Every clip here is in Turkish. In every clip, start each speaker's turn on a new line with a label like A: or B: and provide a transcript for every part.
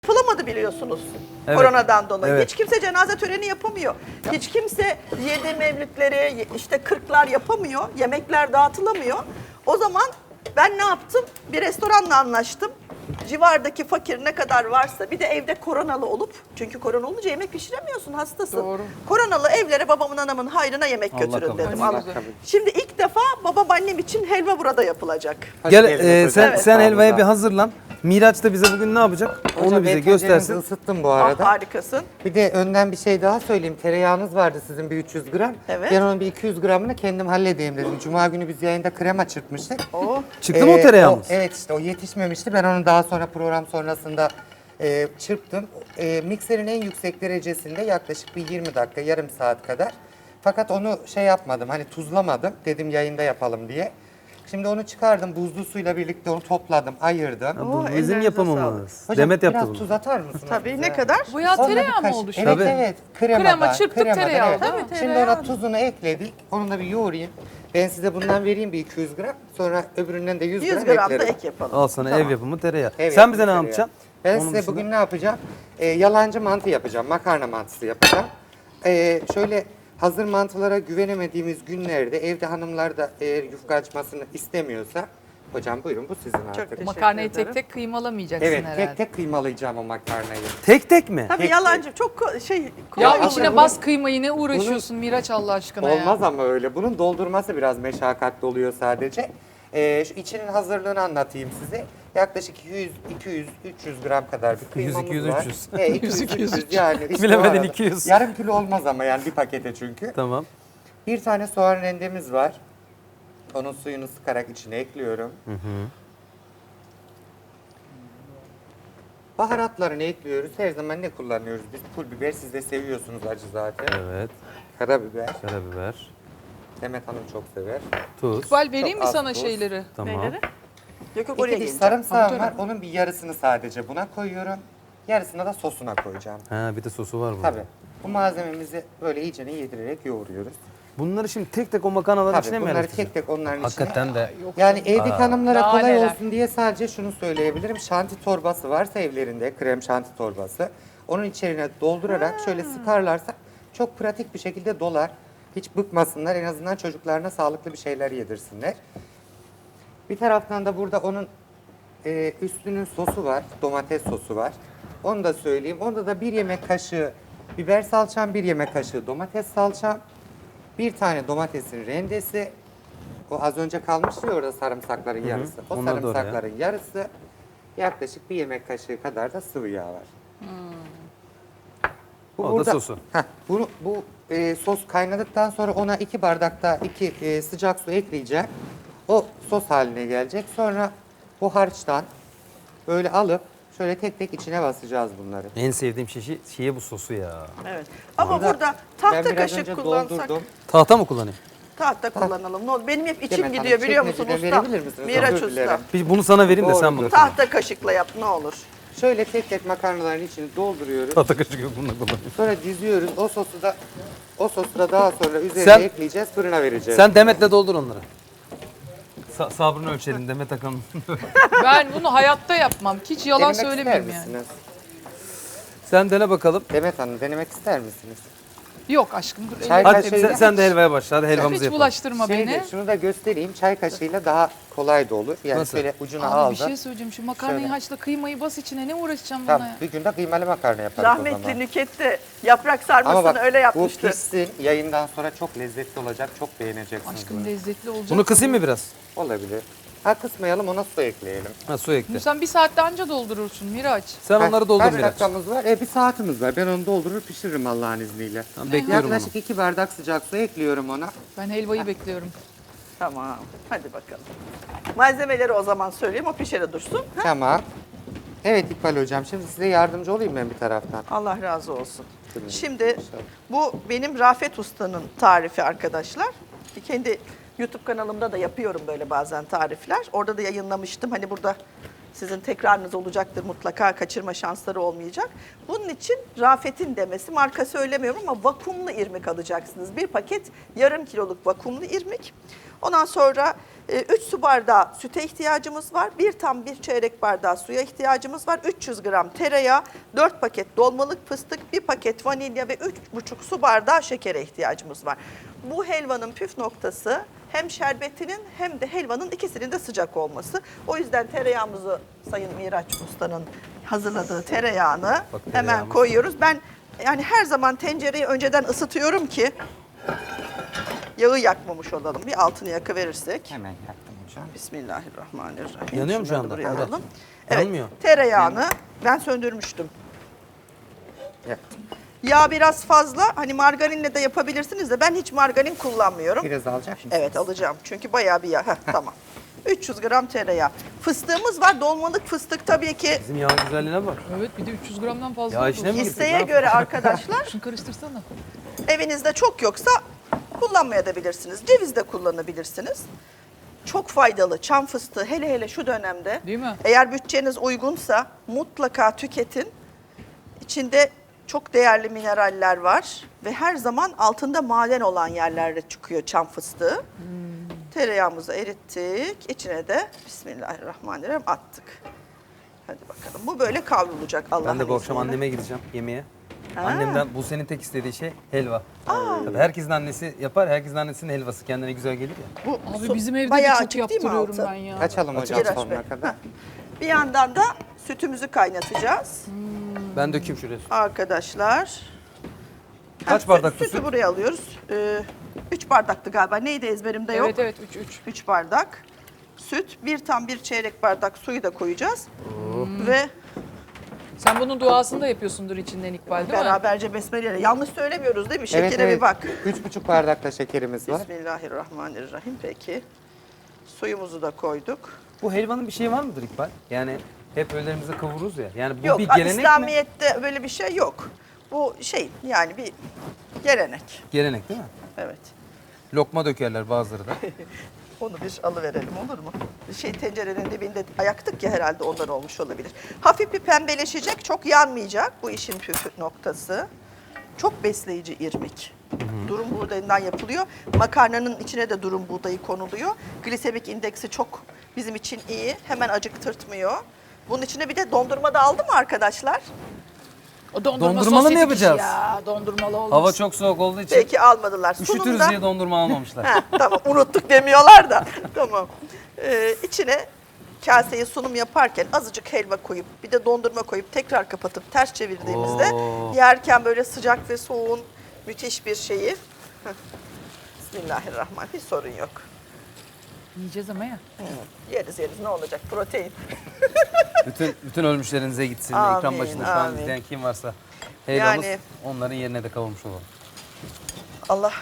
A: yapılamadı biliyorsunuz.
B: Evet.
A: Koronadan dolayı.
B: Evet.
A: Hiç kimse cenaze töreni yapamıyor. Hiç kimse 7 mevlütleri, işte 40'lar yapamıyor. Yemekler dağıtılamıyor. O zaman ben ne yaptım? Bir restoranla anlaştım. Civardaki fakir ne kadar varsa, bir de evde koronalı olup, çünkü korona olunca yemek pişiremiyorsun, hastasın.
C: Doğru.
A: Koronalı evlere babamın anamın hayrına yemek
B: Allah
A: götürün
B: kabul
A: dedim.
B: etsin.
A: Allah. Şimdi ilk defa babam annem için helva burada yapılacak.
B: Gel
C: geldiniz
B: sen
C: hocam.
B: sen
C: Sağ olun,
B: helvaya
C: sağ
B: bir
C: olun.
B: hazırlan. Miraç da bize bugün ne yapacak? Onu
C: Hocam,
B: bize
C: ben
B: göstersin.
C: tencerenizi ısıttım bu
A: Ah,
C: arada.
A: harikasın.
C: Bir de önden bir şey daha söyleyeyim. Tereyağınız vardı sizin bir 300 gram.
A: Evet.
C: Ben onun bir 200 gramını kendim halledeyim dedim. Cuma günü biz yayında krema çırpmıştık.
A: Oh.
B: Çıktı mı o tereyağımız?
C: Evet işte o yetişmemişti. Ben onu daha sonra program sonrasında çırptım. Mikserin en yüksek derecesinde yaklaşık bir 20 dakika, yarım saat kadar. Fakat onu şey yapmadım, hani tuzlamadım. Dedim yayında yapalım diye. Şimdi onu çıkardım, buzlu suyla birlikte onu topladım, ayırdım.
B: Bu
A: Oo,
B: bizim
A: ellerinize
B: yapımımız.
C: Hocam,
B: Demet yaptı
C: biraz
B: bunu.
C: tuz atar mısınız?
A: Tabii,
C: bize?
A: ne kadar?
D: Bu ya
C: Sonra
D: tereyağı
C: birkaç-
D: mı oluştu?
C: Evet
B: Tabii.
C: evet. Kremadan,
D: Krema, çırptık
C: kremadan,
D: tereyağı
C: evet.
D: oldu. Tabii,
C: Şimdi
A: tereyağı.
C: ona tuzunu ekledik. Onu da bir yoğurayım. Ben size bundan vereyim bir 200 gram. Sonra öbüründen de 100
A: 100
C: gram
A: gram da
C: eklerim.
A: ek yapalım.
B: Al sana
A: Tamam.
B: ev yapımı tereyağı.
C: Ev
B: Sen
C: yapımı
B: bize ne
C: tereyağı.
B: yapacaksın?
C: Ben
B: Onun
C: size
B: dışında-
C: bugün ne yapacağım? Yalancı mantı yapacağım. Makarna mantısı yapacağım. Şöyle hazır mantılara güvenemediğimiz günlerde evde hanımlar da eğer yufka açmasını istemiyorsa, hocam buyurun bu sizin artık.
A: teşekkür
D: Makarnayı
A: ederim.
D: tek tek kıymalamayacaksın
C: Evet,
D: herhalde.
C: tek tek kıymalayacağım o makarnayı.
B: Tek tek mi?
A: Tabii
C: Tek-
A: yalancı çok şey
D: Ya
A: kolay
C: aslında
D: içine
A: oluyor.
D: bas kıymayı ne uğraşıyorsun Miraç Allah aşkına ya.
C: Olmaz ama öyle. Bunun doldurması biraz meşakkatli oluyor sadece. Şu içinin hazırlığını anlatayım size. Yaklaşık 200, 300 gram kadar bir
B: 100,
C: kıymamız
B: 200,
C: var.
B: 300.
C: 200, 300 yani. işte
B: Bilemedin,
C: o arada.
B: 200.
C: Yarım kilo olmaz ama yani bir pakete çünkü.
B: Tamam.
C: Bir tane soğan rendemiz var. Onun suyunu sıkarak içine ekliyorum. Baharatlarını ekliyoruz. Her zaman ne kullanıyoruz? Biz pul biber, siz de seviyorsunuz acı zaten.
B: Evet.
C: Karabiber.
B: Karabiber.
C: Demet Hanım çok sever.
B: Tuz.
D: İkbal vereyim mi
C: Çok az
D: sana
C: tuz.
D: şeyleri?
B: Tamam.
A: Neyleri? Yok yok, oraya
C: İki diş
A: geleceğim.
C: sarımsağım var. Onun bir yarısını sadece buna koyuyorum. Yarısını da sosuna koyacağım.
B: Ha bir de sosu var burada.
C: Tabii. Bu malzememizi böyle iyicene yedirerek yoğuruyoruz.
B: Bunları şimdi tek tek o makarnaların
C: Tabii
B: içine mi
C: bunları
B: yerleştireceğim?
C: tek tek onların
B: Hakikaten
C: içine.
B: de.
C: Yani evdeki hanımlara
D: Daha
C: kolay
D: neler.
C: olsun diye sadece şunu söyleyebilirim. Şanti torbası varsa evlerinde, krem şanti torbası. Onun içerine doldurarak şöyle sıkarlarsa çok pratik bir şekilde dolar. Hiç bıkmasınlar. En azından çocuklarına sağlıklı bir şeyler yedirsinler. Bir taraftan da burada onun üstünün sosu var. Domates sosu var. Onu da söyleyeyim. Onda da 1 yemek kaşığı biber salçam, 1 yemek kaşığı domates salçam, bir tane domatesin rendesi. O az önce kalmıştı ya orada sarımsakların yarısı. O
B: Onlar da oraya.
C: sarımsakların yarısı. Yaklaşık 1 yemek kaşığı kadar da sıvı yağ var. Bu
B: O da sosu.
C: Bu sos kaynadıktan sonra ona 2 bardakta 2 sıcak su ekleyeceğim. O sos haline gelecek. Sonra bu harçtan böyle alıp şöyle tek tek içine basacağız bunları.
B: En sevdiğim şey bu sosu ya.
A: Evet. Ama burada
C: ben
A: tahta
C: biraz
A: kaşık
C: önce
A: kullansak,
C: doldurdum.
B: Tahta mı kullanayım?
A: tahta kullanalım. Ne olur. Benim hep içim
C: Demet Hanım,
A: gidiyor biliyor musun
C: çekmeceden
A: usta?
C: verebilir misiniz?
A: Miraç
C: Özür dilerim.
A: usta.
B: Bir bunu sana vereyim de sen bunu.
C: Doğrudur.
A: Tahta kaşıkla yap ne olur.
C: Şöyle tek tek makarnaların içini dolduruyoruz.
B: Tahta kaşık yok bununla kullanayım.
C: Sonra diziyoruz. O sosu da daha sonra üzerine
B: Sen-
C: ekleyeceğiz, fırına vereceğiz.
B: Sen Demet'le doldur onları. Sabrını ölçelim Demet Akalın.
D: Ben bunu hayatta yapmam. Hiç yalan
C: Denemek
D: söylemeyeyim
C: ister
D: yani.
C: misiniz?
B: Sen dene bakalım.
C: Demet Hanım denemek ister misiniz?
D: Yok aşkım dur.
C: Çay
D: elimi
B: Hadi
C: kaşığı-
D: temizle.
B: sen de helvaya başla. Hadi helvamızı
D: Hiç
B: yapalım.
D: bulaştırma beni.
C: Şunu da göstereyim. Çay kaşığıyla daha kolay da olur. Yani
B: Nasıl?
C: şöyle ucuna
D: Abi
C: aldım.
D: bir şey söyleyeceğim. Şu makarnayı
C: Şöyle.
D: haşla kıymayı bas içine. Ne uğraşacağım buna
C: Tamam,
D: ya?
C: bir günde kıymalı makarna yaparız o
A: Rahmetli
C: zaman.
A: Nüket de yaprak
C: Ama
A: sarmasını
C: bak
A: öyle
C: bu
A: yapmıştı.
C: pişsin. Yayından sonra çok lezzetli olacak. Çok beğeneceksiniz.
D: Aşkım
C: bunu.
D: lezzetli olacak.
B: Bunu kısayım mı biraz?
C: Olabilir. Ha kısmayalım, ona su ekleyelim.
B: Ha su ekle.
D: Bunu sen bir saatte anca doldurursun Miraç.
B: Sen onları doldur
C: Kaç
B: Miraç.
C: dakikamız var? Bir saatimiz var. Ben onu doldurur pişiririm Allah'ın izniyle.
B: Tamam, bekliyorum onu.
C: Yaklaşık 2 bardak sıcak su ekliyorum ona.
D: Ben helvayı bekliyorum.
A: Tamam. Hadi bakalım. Malzemeleri o zaman söyleyeyim, o pişere dursun. Ha?
C: Tamam. Evet İkbal Hocam, şimdi size yardımcı olayım ben bir taraftan.
A: Allah razı olsun.
C: Tabii.
A: Şimdi bu benim Rafet Usta'nın tarifi arkadaşlar. Kendi YouTube kanalımda da yapıyorum böyle bazen tarifler. Orada da yayınlamıştım. Hani burada Sizin tekrarınız olacaktır mutlaka, kaçırma şansları olmayacak. Bunun için Rafet'in demesi, marka söylemiyorum ama vakumlu irmik alacaksınız. Bir paket yarım kiloluk vakumlu irmik. Ondan sonra 3 su bardağı süte ihtiyacımız var. Bir çeyrek bardağı suya ihtiyacımız var. 300 gram tereyağı, 4 paket dolmalık fıstık, 1 paket vanilya ve 3,5 su bardağı şekere ihtiyacımız var. Bu helvanın püf noktası hem şerbetinin hem de helvanın ikisinin de sıcak olması. O yüzden tereyağımızı Sayın Miraç Usta'nın hazırladığı tereyağını
B: Bak,
A: hemen
B: tereyağımız.
A: koyuyoruz. Ben yani her zaman tencereyi önceden ısıtıyorum ki yağı yakmamış olalım. Bir altını yakıverirsek.
C: Hemen yaktım hocam.
A: Bismillahirrahmanirrahim.
B: Yanıyor mu şu
A: Şunları
B: anda?
A: buraya
B: Evet.
A: alalım. Evet,
B: Yanmıyor.
A: tereyağını ben söndürmüştüm.
C: Yaktım.
A: Yağ biraz fazla. Hani margarinle de yapabilirsiniz de ben hiç margarin kullanmıyorum.
C: Biraz alacak mısınız?
A: Evet alacağım. Çünkü bayağı bir yağ. Heh, tamam. 300 gram tereyağı. Fıstığımız var. Dolmalık fıstık tabii ki
B: Bizim yağın güzelliğine bak.
D: Evet bir de 300 gramdan fazla.
B: Ya
D: oldu.
B: işine mi girdik?
A: isteğe
B: Ne
A: göre arkadaşlar
D: Şunu karıştırsana.
A: evinizde çok yoksa kullanmayabilirsiniz. Ceviz de kullanabilirsiniz. Çok faydalı çam fıstığı hele hele şu dönemde.
D: Değil mi?
A: Eğer bütçeniz uygunsa mutlaka tüketin. İçinde çok değerli mineraller var ve her zaman altında maden olan yerlerde çıkıyor çam fıstığı. Tereyağımızı erittik. İçine de Bismillahirrahmanirrahim attık. Hadi bakalım. Bu böyle kavrulacak Allah'ın
B: Ben de bu akşam
A: izniyle.
B: anneme gideceğim yemeğe.
A: Ha.
B: Annemden bu senin tek istediği şey helva. Tabii herkesin annesi yapar. Herkesin annesinin helvası kendine güzel gelir ya.
A: Bu
D: Abi bizim evde de
A: bayağı
D: çok
A: açık değil mi
D: yaptırıyorum
A: altı?
D: ben ya.
C: Açalım hocam
A: Miraç Bey.
C: sonuna kadar.
A: Heh. Bir yandan da sütümüzü kaynatacağız
B: Ben dökeyim şuraya.
A: arkadaşlar.
B: Kaç bardak
A: sütü
B: süt?
A: buraya alıyoruz. 3 bardaktı galiba. Neydi ezberimde yok.
D: Evet evet 3.
A: 3 bardak süt, bir çeyrek bardak suyu da koyacağız. Ve
D: Sen bunun duasını da yapıyorsundur içinden İkbal değil mi?
A: beraberce besmeleyle. Yanlış söylemiyoruz değil mi?
C: Evet,
A: Şekere
C: evet.
A: bir bak.
C: 3,5 bardak da şekerimiz var.
A: Bismillahirrahmanirrahim. Peki. Suyumuzu da koyduk.
B: Bu helvanın bir şeyi var mıdır İkbal? Yani hep önlerimize kavururuz ya. Yani bu
A: Yok,
B: bir gelenek mi?
A: İslamiyet'te böyle bir şey yok. Bu şey yani bir gelenek.
B: Gelenek değil mi?
A: Evet.
B: Lokma dökerler bazıları da.
A: Onu bir alıverelim olur mu? Tencerenin dibinde ayaktık ya herhalde ondan olmuş olabilir. Hafif bir pembeleşecek, çok yanmayacak bu işin püf noktası. Çok besleyici irmik. Durum buğdayından yapılıyor. Makarnanın içine de durum buğdayı konuluyor. Glisemik indeksi çok bizim için iyi. Hemen acıktırtmıyor. Bunun içine bir de dondurma da aldı mı arkadaşlar?
D: O
B: Dondurmalı mı
D: sosyetik
B: yapacağız?
D: işi Ya dondurmalı olmaz.
B: Hava çok soğuk olduğu için
A: Peki almadılar.
B: üşütürüz diye dondurma almamışlar.
A: Ha, tamam unuttuk demiyorlar da. Tamam. İçine kaseye sunum yaparken azıcık helva koyup bir de dondurma koyup tekrar kapatıp ters çevirdiğimizde
B: Oo.
A: yerken böyle sıcak ve soğuğun müthiş bir şeyi. Heh. Bismillahirrahmanirrahim. Hiç sorun yok.
D: Yiyeceğiz ama ya.
A: Yeriz ne olacak protein.
B: bütün ölmüşlerinize gitsin.
A: Amin,
B: Ekran başında şu an
A: amin.
B: izleyen kim varsa helvamız
A: Yani-
B: onların yerine de kavurmuş olalım.
A: Allah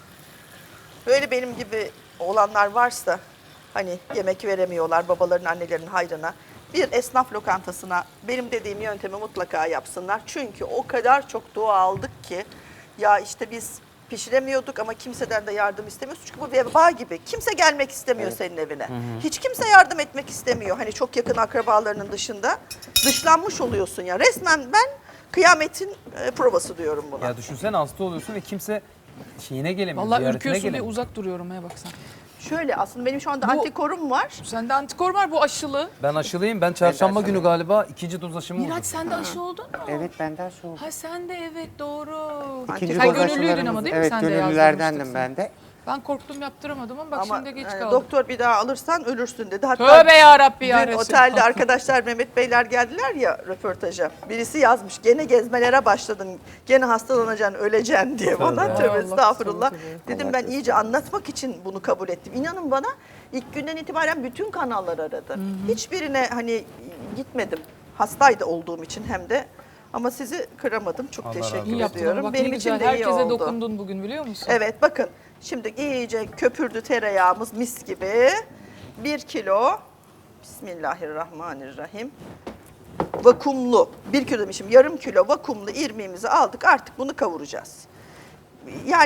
A: böyle benim gibi olanlar varsa hani yemek veremiyorlar babaların annelerinin hayrına bir esnaf lokantasına benim dediğim yöntemi mutlaka yapsınlar. Çünkü o kadar çok dua aldık ki ya işte biz pişiremiyorduk ama kimseden de yardım istemiyoruz. Çünkü bu veba gibi. Kimse gelmek istemiyor senin evine. Hiç kimse yardım etmek istemiyor. Hani çok yakın akrabalarının dışında. Dışlanmış oluyorsun ya. Resmen ben kıyametin provası diyorum buna.
B: Ya düşünsene hasta oluyorsun ve kimse şeyine gelemiyor.
D: Vallahi
B: ziyaretine
D: ürküyorsun diye
B: gelemiyor.
D: uzak duruyorum ya bak sen.
A: Şöyle aslında benim şu anda
D: Bu-
A: antikorum var.
D: Sende antikor var bu aşılı.
B: Ben aşılıyım. Ben çarşamba
C: Ben de
B: günü
C: aşılıyım.
B: galiba 2. doz aşımı
D: Miraç
B: oldum.
D: sen de aşı oldun mu?
C: Evet benden şu.
D: Ha sen de evet doğru.
C: İkinci
A: Sen
C: doz
D: gönüllüydün
C: aşılarımız-
D: ama değil mi?
C: Evet
D: Sen de
C: gönüllülerdendim
D: yazdırmıştık
C: ben de.
D: Ben korktum yaptıramadım ama bak
A: Ama
D: şimdi geç
A: yani
D: kaldım.
A: doktor bir daha alırsan ölürsün dedi. Hatta
D: Tövbe yarabbi ya
A: dün
D: Resulallah.
A: otelde arkadaşlar Mehmet Beyler geldiler ya röportaja. Birisi yazmış gene gezmelere başladın. Gene hastalanacaksın, öleceksin diye bana.
B: Tövbe.
A: Tövbe
D: Allah
A: estağfurullah.
D: korusun,
A: Dedim
C: Allah
A: ben
C: korusun.
A: iyice anlatmak için bunu kabul ettim. İnanın bana ilk günden itibaren bütün kanallar aradı. Hiçbirine hani gitmedim. Hastaydı olduğum için hem de. Ama sizi kıramadım. Çok
B: Allah razı olsun.
D: İyi
A: teşekkür
D: yaptın ama
A: ediyorum.
D: bak
A: Benim
D: ne
A: için
D: güzel.
A: de iyi
D: Herkese
A: oldu.
D: dokundun bugün biliyor musun?
A: Evet bakın şimdi iyice köpürdü tereyağımız mis gibi. 1 kilo Bismillahirrahmanirrahim. Vakumlu 1 kilo demişim yarım kilo vakumlu irmiğimizi aldık artık bunu kavuracağız. Yani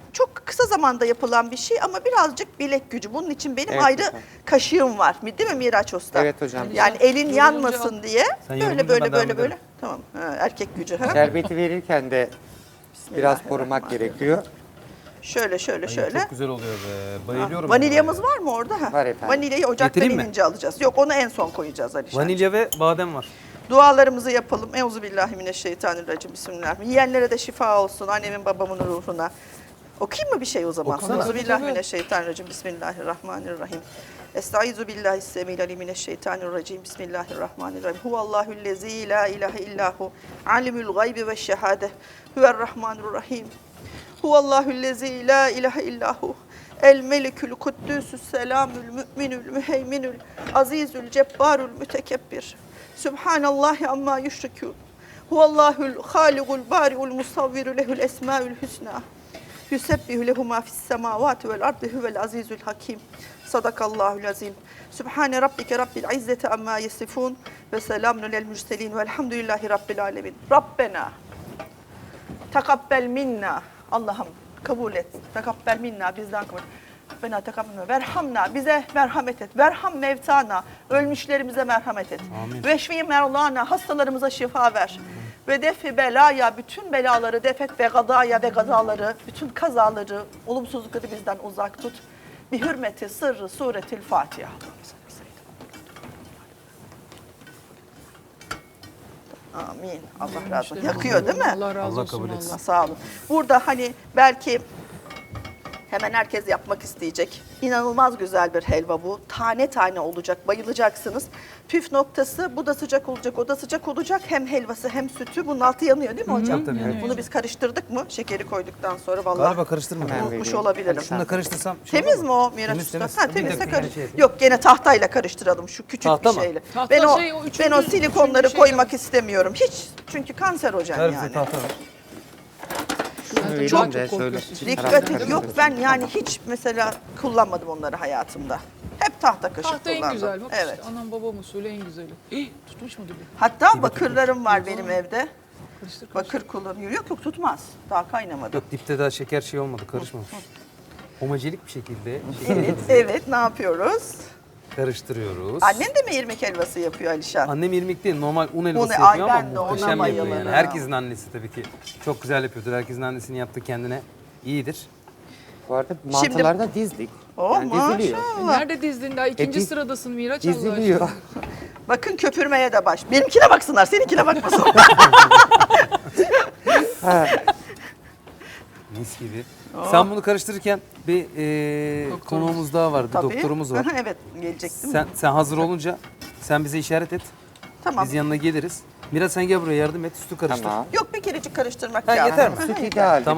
A: çok kısa zamanda yapılan bir şey ama birazcık bilek gücü. Bunun için benim
C: Evet
A: ayrı
C: hocam.
A: kaşığım var. Değil mi Miraç Usta?
C: Evet hocam.
A: Yani elin
D: Yorulunca-
A: yanmasın diye
B: Sen
A: böyle
B: yorulunca
A: böyle
B: ben devam
A: böyle böyle.
B: ederim.
A: Tamam. Ha, erkek gücü. Ha?
C: Şerbeti verirken de biraz korumak
A: Bismillahirrahmanirrahim.
C: gerekiyor.
A: Şöyle şöyle
B: Ay,
A: şöyle.
B: Çok güzel oluyor be. Bayılıyorum.
A: Vanilyamız
B: ben buraya.
A: var mı orada? Ha.
C: Var efendim.
A: Vanilyayı ocaktan
B: Getireyim mi?
A: inince alacağız. Yok onu en son koyacağız Alişan.
B: Vanilya ve badem var.
A: Dualarımızı yapalım. Euzubillahimineşşeytanirracim. Bismillahirrahmanirrahim. Yiyenlere de şifa olsun. Annemin babamın ruhuna. Okuyayım mı bir şey o zaman?
B: Okusana.
A: Euzubillahimineşşeytanirracim. Bismillahirrahmanirrahim. Estaizu billahi semil alimmineşşeytanirracim. Bismillahirrahmanirrahim. Huvallahüllezî la ilahe illahu. Alimul gaybi ve şehade. Huverrahmanirrahim. Huvallahüllezî la ilahe illahu. El melikül kuddüsü's selamül müminül müheyminül azizül cebbarül mütekebbir. Sübhanallahi amma yüşrikûn. Huvallahul haligul bari'ul musavviru lehul esmaül hüsna. Yusebbihu lehu ma fis semavati vel ardı huvel azizül hakim. Sadakallahul azim. Sübhane rabbike rabbil izzeti amma yasifun ve selamun alel mürselin velhamdülillahi rabbil alemin. Rabbena tekabbel minna. Allah'ım kabul et. Tekabbel minna bizden kabul et. Rabbena tekabbel minna. Verhamna bize merhamet et. Verham mevtana. Ölmüşlerimize merhamet et.
B: Amin.
A: Veşfi merlana hastalarımıza şifa ver. Ve defi belaya bütün belaları defet ve gadaya ve gazaları bütün kazaları olumsuzlukları bizden uzak tut. Bi hürmeti sırrı suretil Fatiha. Amin. Allah razı olsun. Yakıyor değil mi?
D: Allah razı
B: Allah
D: olsun.
B: kabul etsin.
D: vallahi.
A: Sağ olun. Burada hani belki hemen herkes yapmak isteyecek. İnanılmaz güzel bir helva bu. Tane tane olacak, bayılacaksınız. Püf noktası bu da sıcak olacak, o da sıcak olacak. Hem helvası hem sütü. Bunun altı yanıyor değil mi hocam?
B: Tabii, evet.
A: Bunu biz karıştırdık mı? Şekeri koyduktan sonra vallahi
B: Galiba karıştırmadım.
C: Hemen
A: unutmuş
C: vereyim.
A: olabilirim.
B: Şunu da karıştırsam. şey
A: Temiz
B: olur
A: mi o Miraç
B: Temiz,
A: Usta?
B: temiz.
A: Ha,
B: Bir
A: temizse
B: dakika,
A: karış.
B: şey yapayım.
A: Yok gene tahtayla karıştıralım şu küçük
B: Tahta
A: bir
B: mı?
A: şeyle.
D: Tahta
A: Ben o,
D: şey, o
A: ben o
D: üçüncü
A: silikonları
D: şey
A: koymak
D: yok.
A: istemiyorum. Hiç çünkü kanserojen
B: Ver bize
A: yani.
B: tahta ver.
C: Şunu
D: Zaten
C: vereyim
D: çok
C: de şöyle
D: korkuyorsun.
A: Dikkat
C: tarafta
A: et. Yok
C: karıştırırız.
A: ben yani hiç mesela kullanmadım onları hayatımda. Hep tahta kaşık
D: Tahta en
A: kullandım.
D: güzel. Bak
A: Evet.
D: işte anam babam usulü en güzeli. Tutmuş mu dibi?
A: Hatta bakırlarım var benim evde.
D: Karıştır karıştır.
A: Bakır kullanıyor. Yok yok tutmaz. Daha kaynamadı.
B: Yok dipte daha şeker şey olmadı. Karışmamış. Homojenik bir şekilde
A: Evet, evet ne yapıyoruz?
B: karıştırıyoruz.
A: Annen de mi irmik helvası yapıyor Alişan?
B: Annem irmik değil, normal un helvası
A: ay
B: yapıyor
A: ben de
B: ama
A: ona
B: muhteşem yapıyor yani.
A: bayılırım.
B: Herkesin annesi tabii ki çok güzel yapıyordur. Herkesin annesinin yaptığı kendine iyidir.
C: Bu arada mantılarda dizdik.
A: Oh,
C: Yani diziliyor.
A: maşallah.
D: Nerede dizdin daha? İkinci
C: diz-
D: sıradasın Miraç Allah aşkına.
C: Diziliyor.
A: Bakın köpürmeye de baş. Benimkine baksınlar, seninkine bakmasınlar.
B: Mis gibi. Sen bunu karıştırırken bir konuğumuz daha var, bir
A: Tabii.
B: doktorumuz var.
A: Evet, gelecek değil mi?
B: Sen hazır olunca sen bize işaret et.
A: Tamam.
B: Biz yanına geliriz. Miraç sen gel buraya yardım et, sütü karıştır.
C: Tamam.
A: Yok bir kerecik karıştırmak
B: Ha,
A: lazım.
B: yeter mi?
C: Süt ideal.
B: Tamam.